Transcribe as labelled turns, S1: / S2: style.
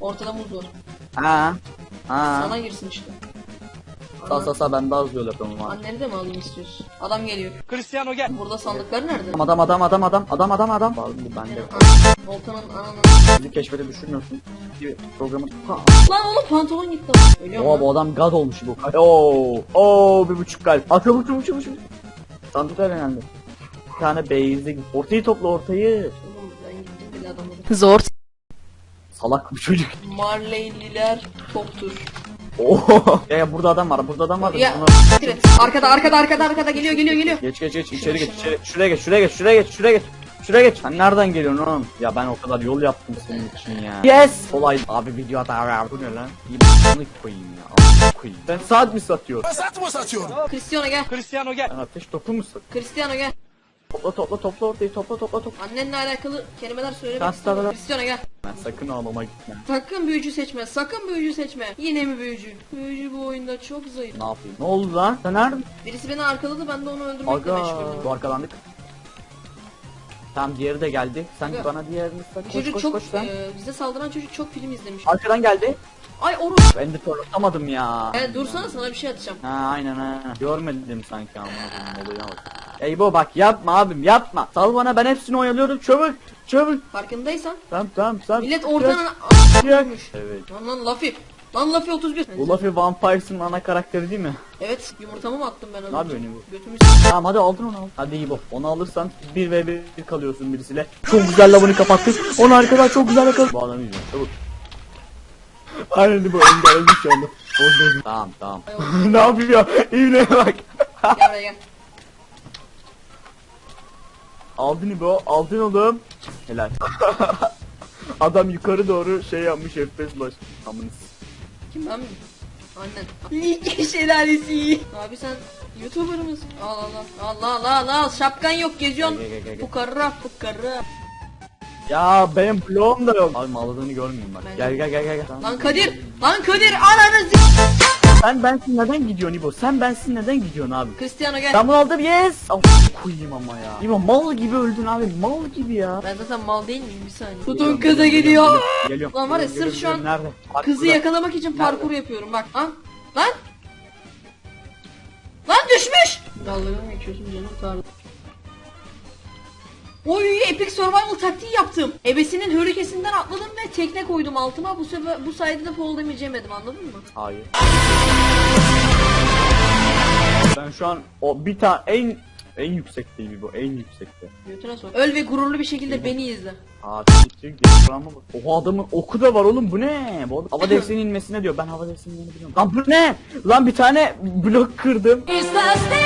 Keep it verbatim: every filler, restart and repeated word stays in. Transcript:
S1: Ortada muz var.
S2: Ha. Ha.
S1: Sana girsin işte.
S2: Sağ sağ sağ ben daha hızlı yol yapıyorum abi.
S1: Anneni de mi alayım istiyorsun? Adam geliyor.
S3: Cristiano gel.
S1: Burada sandıklar nerede?
S2: Adam adam adam adam adam adam adam. Vallahi ben de.
S1: Volkan'ın ananı.
S2: Bizi keşfete düşürmüyorsun. Bir programı.
S1: Lan oğlum pantolon gitti. Ölüyor
S2: Oha
S1: mu?
S2: bu adam gaz olmuş bu. Oo. Oo bir buçuk kalp. Atıyor bu çabuk çabuk çabuk. Sandıklar önemli. Bir tane beyazı. Ortayı topla ortayı.
S1: Oğlum ben gittim bile adamları. Zor.
S2: Salak bu çocuk.
S1: Marleyliler toptur.
S2: Oo. Ya, ya burada adam var. Burada adam var.
S1: Ya.
S2: Bunu-
S1: Evet. Arkada arkada arkada arkada geliyor geliyor geliyor.
S2: Geç geç geç
S1: Şuna,
S2: içeri geç
S1: şuna.
S2: içeri. Şuraya geç şuraya geç şuraya geç şuraya geç. Şuraya geç. Sen nereden geliyorsun oğlum? Ya ben o kadar yol yaptım senin için ya. Yes. Kolay. Abi video hata. Bu ne lan? İyi bunu koyayım ya. Al, koyayım. Sen saat mi satıyorsun?
S3: Sat mı satıyorum?
S1: Cristiano gel.
S3: Cristiano gel.
S2: Sen ateş topu mu satıyorsun?
S1: Cristiano gel.
S2: Topla topla topla ortayı topla topla topla.
S1: Annenle alakalı kelimeler söylemek
S2: Sen
S1: istiyorum.
S2: sana-
S1: Cristiano gel.
S2: Ben sakın ağlama gitme.
S1: Sakın büyücü seçme. Sakın büyücü seçme. Yine mi büyücü? Büyücü bu oyunda çok zayıf.
S2: Ne yapayım? Ne oldu lan? Sen nerede?
S1: Birisi beni arkaladı, ben de onu öldürmekle
S2: Aga.
S1: meşguldüm.
S2: Bu arkalandık. Tamam diğeri de geldi. Sen
S1: Aga.
S2: bana diğerini sat. Koş
S1: Çocuk
S2: koş
S1: çok,
S2: koş sen.
S1: e, bize saldıran çocuk çok film izlemiş.
S2: Arkadan geldi.
S1: Ay Oruz.
S2: Ben de torlatamadım ya.
S1: E, dursana sana bir şey atacağım.
S2: Ha aynen ha. Görmedim sanki ama olayı bak. Eybo bak yapma abim yapma. Sal bana ben hepsini oyalıyorum çabuk çabuk.
S1: Farkındaysan.
S2: Tamam tamam sen.
S1: Millet oradan
S2: Yak.
S1: ölmüş.
S2: Evet.
S1: Lan lan Luffy. Lan Luffy otuz bir.
S2: Bu Luffy Vampires'ın ana karakteri değil mi?
S1: Evet, yumurtamı mı attım ben az
S2: Ne
S1: önce?
S2: yapıyorsun bu?
S1: Götümü
S2: Tamam hadi aldın onu al. Hadi İbo. Onu alırsan bir ve bir kalıyorsun birisiyle. Çok güzel lavını kapattık. Onu arkadan çok güzel yakaladık. Bu adamı izliyorum çabuk. Aynen bu engellemiş şu anda. Orada. Tamam tamam. Ne yapıyor? İğneye bak.
S1: Gel buraya gel.
S2: Aldın İbo. Aldın oğlum. Helal. Adam yukarı doğru şey yapmış F P S baş. Amınız.
S1: Kim ben mi? Annen. Lig şelalesi. Abi sen YouTuber mısın? Al al al. Allah Allah Allah al. Şapkan yok geziyorsun.
S2: Gel, gel, gel, gel.
S1: Fukara fukara.
S2: Ya benim bloğum da yok. Abi ağladığını görmeyeyim bak.
S1: Ben-
S2: Gel gel gel gel. gel.
S1: Lan Kadir. Lan Kadir ananı z***.
S2: Sen bensin neden gidiyorsun İbo? Sen bensin neden gidiyorsun abi?
S1: Cristiano gel.
S2: Ben bunu aldım yes. Of koyayım ama ya. İbo mal gibi öldün abi mal gibi ya.
S1: Ben zaten mal değil miyim bir saniye. Tutun
S2: Geliyorum,
S1: kıza
S2: geliyorum,
S1: gidiyor.
S2: Geliyorum. geliyorum.
S1: Lan var ya,
S2: Geliyorum,
S1: sırf şu an
S2: geliyorum. Nerede? Bak
S1: Kızı
S2: burada.
S1: yakalamak için parkur yapıyorum bak. Lan. Lan. Lan düşmüş. Dalgadan mı geçiyorsun canım tanrım. Oy epic survival taktiği yaptım. Ebesinin hörükesinden atladım ve tekne koydum altıma. Bu sefer bu sayede de fall damage yemedim, anladın mı?
S2: Hayır. Ben şu an o bir tane en en yüksekteyim bu en yüksekte.
S1: Götüne sok. Öl ve gururlu bir şekilde beni izle.
S2: Aa çık ama bak. Oha adamın oku da var oğlum bu ne? Bu adam hava defsinin inmesine diyor. Ben hava defsinin yerini biliyorum. Lan bu ne? Lan bir tane blok kırdım.
S4: Is the